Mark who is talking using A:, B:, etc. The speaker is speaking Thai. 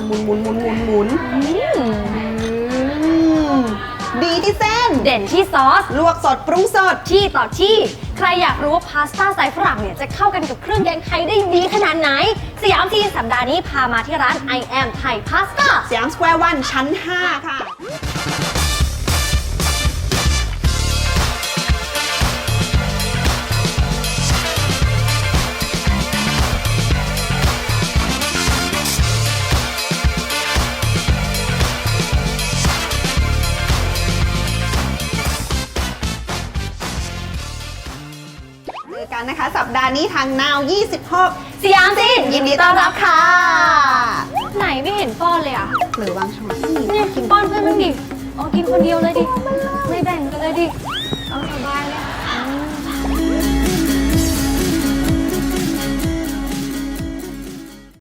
A: หมุนหมุนหมุนหมุนหมุนดีที่เส้น
B: เด่นที่ซอส
A: ลวกสดปรุงสด
B: ที่ต่อที่ใครอยากรู้ว่าพาสต้าสไตล์ฝรั่งเนี่ยจะเข้ากันกับเครื่องแกงไทยได้ดีขนาดไหนสยามทีสัปดาห์นี้พามาที่ร้าน I am Thai Pasta
A: สยามสแควร์วันชั้น 5 ค่ะเจอกันนะคะสัปดาห์นี้ทางนาว 26
B: สยามจีน
A: ยินดีต้อนรับค่ะ
B: ไหนไม่เห็นป้อนเลยอ่ะ
A: หรือบางช้อน
B: เนี่ยกินป้อนเพื่อนบ้างดิอ๋อกินคนเดียวเลยดิ ไม่แบ่งกันเลยดิเอาสบายเลยค่ะ